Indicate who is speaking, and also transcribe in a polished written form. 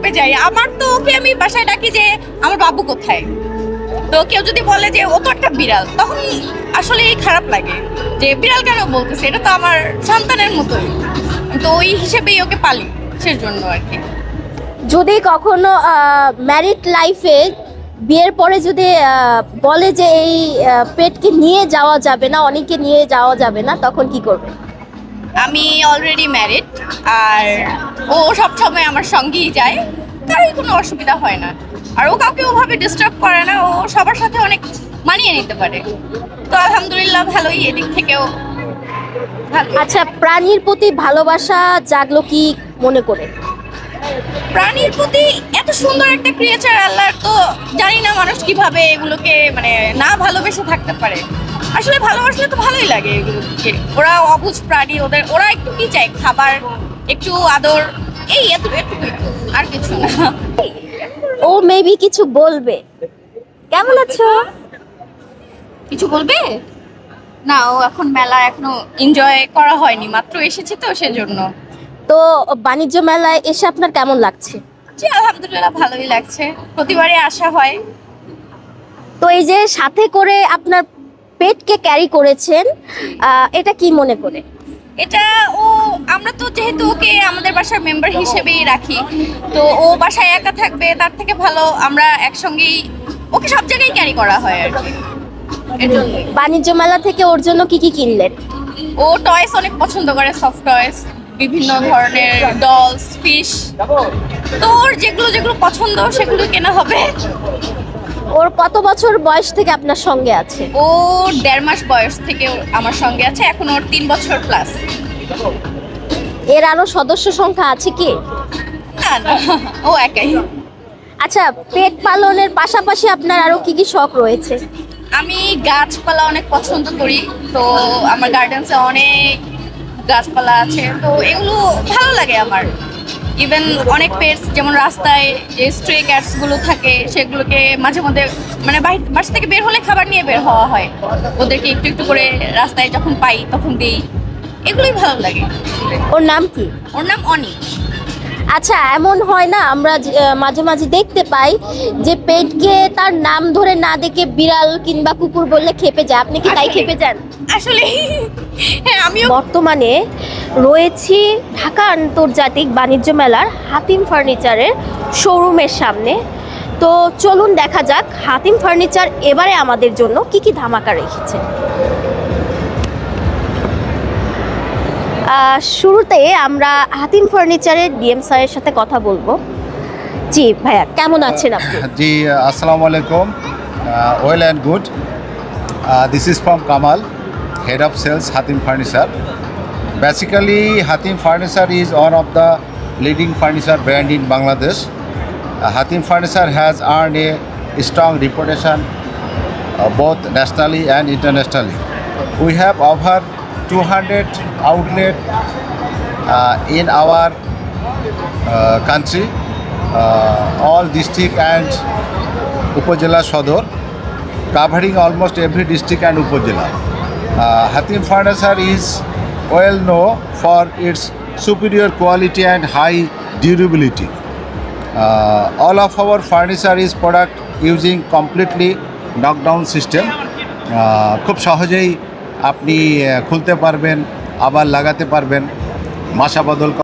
Speaker 1: পেয়ে যাই। আমার তো ওকে আমি বাসায় ডাকি যে আমার বাবু কোথায়। তো কেউ যদি বলে যে ও তো একটা বিড়াল, তখন আসলে খারাপ লাগে যে বিড়াল কেন বলতেছে, এটা তো আমার সন্তানের মতোই। তো ওই হিসেবেই ওকে পালি, সেজন্য আর কি।
Speaker 2: যদি কখনো ম্যারিড লাইফে বিয়ের পরে যদি বলে যে এই পেটকে নিয়ে যাওয়া যাবে না, অনেকে নিয়ে যাওয়া যাবে না, তখন কি করবে?
Speaker 1: আমি অলরেডি ম্যারিড, আর ও সবসময় আমার সঙ্গেই যায়, কারোই কোনো অসুবিধা হয় না। আর ও কাউকে ওভাবে ডিস্টার্ব করে না, ও সবার সাথে অনেক মানিয়ে নিতে পারে। তো আলহামদুলিল্লাহ ভালোই, এদিক থেকেও ভালো।
Speaker 2: আচ্ছা, প্রাণীর প্রতি ভালোবাসা জাগলো কি মনে করে?
Speaker 1: প্রাণীর প্রতি এত সুন্দর একটা ক্রিয়েচার আল্লাহর, তো জানি না মানুষ কিভাবে এগুলোকে মানে না ভালোবেসে থাকতে পারে। আসলে ভালোবাসলে তো ভালোই লাগে এগুলোকে। ওরা অবুঝ প্রাণী, ওরা একটু কি চায়, খাবার, একটু আদর, এই এতটুকুই, আর কিছু না।
Speaker 2: ও মেবি কিছু বলবে। কেমন আছো?
Speaker 1: কিছু বলবে না, ও এখন মেলা এখনো এনজয় করা হয়নি, মাত্র এসেছে তো সেজন্য।
Speaker 2: তো বাণিজ্য মেলায় এসে আপনার কেমন লাগছে?
Speaker 1: জি আলহামদুলিল্লাহ ভালোই লাগছে, প্রতিবারই আসা হয়।
Speaker 2: তো এই যে সাথে করে আপনার পেটকে ক্যারি করেছেন, এটা কি মনে করে?
Speaker 1: এটা ও, আমরা তো যেহেতু ওকে আমাদের বাসার মেম্বার হিসেবেই রাখি, তো ও বাসায় একা থাকবে, তার থেকে ভালো আমরা একসঙ্গেই ওকে সব জায়গায় ক্যারি করা হয় আর কি। এর জন্যই
Speaker 2: বাণিজ্য মেলা থেকে ওর জন্য কি কি কিনলেন?
Speaker 1: ও টয়েস অনেক পছন্দ করে, সফট টয়েস, বিভিন্ন ধরনের ডলস, ফিশ। তো ওর যেগুলো যেগুলো পছন্দ সেগুলো কেনা হবে।
Speaker 2: ওর কত বছর বয়স থেকে আপনার সঙ্গে আছে?
Speaker 1: ও 1.5 মাস বয়স থেকে আমার সঙ্গে আছে, এখন ওর 3 বছর প্লাস।
Speaker 2: এর আরো সদস্য সংখ্যা আছে কি?
Speaker 1: না না, ও একাই।
Speaker 2: আচ্ছা, পেট পালনের পাশাপাশি আপনার আরো কি কি শখ রয়েছে?
Speaker 1: আমি গাছপালা অনেক পছন্দ করি, তো আমার গার্ডেন্সে অনেক গাছপালা আছে, তো এগুলো ভালো লাগে আমার। ইভেন অনেক পেটস, যেমন রাস্তায় যে স্ট্রে ক্যাটসগুলো থাকে, সেগুলোকে মাঝে মধ্যে মানে বাসা থেকে বের হলে খাবার নিয়ে বের হওয়া হয়, ওদেরকে একটু একটু করে রাস্তায় যখন পাই তখন দিই। এগুলোই ভালো লাগে।
Speaker 2: ওর নাম কি?
Speaker 1: ওর নাম অনি।
Speaker 2: আচ্ছা, এমন হয় না আমরা মাঝে মাঝে দেখতে পাই যে পেটকে তার নাম ধরে না ডেকে বিড়াল কিংবা কুকুর বললে খেপে যায়, আপনি কি তাই
Speaker 1: আসলে-
Speaker 2: খেপে যান?
Speaker 1: আসলে হ্যাঁ, আমিও
Speaker 2: বর্তমানে রয়েছি ঢাকা আন্তর্জাতিক বাণিজ্য মেলার হাতিম ফার্নিচারের শোরুমের সামনে। তো চলুন দেখা যাক হাতিম ফার্নিচার এবারে আমাদের জন্য কি কি ধামাকা রেখেছে। শুরুতে আমরা হাতিম ফার্নিচারের ডিএম স্যারের সাথে কথা বলবো। জি ভাইয়া, কেমন আছেন আপনি?
Speaker 3: जी assalamu alaikum, well and good. This is from Kamal, head of sales, Hatim Furniture. Basically, Hatim Furniture is one of the leading furniture brand in Bangladesh. Hatim Furniture has earned a strong reputation both nationally and internationally. We have over 200 outlets in our country, all district and Upazila Sodor, covering almost every district and Upazila. Hatim Furniture is well known for its superior quality and high durability. All of our furniture is product using completely knockdown system. খুব সহজেই আপনি খুলতে পারবেন, আবার লাগাতে পারবেন, মাসা বদল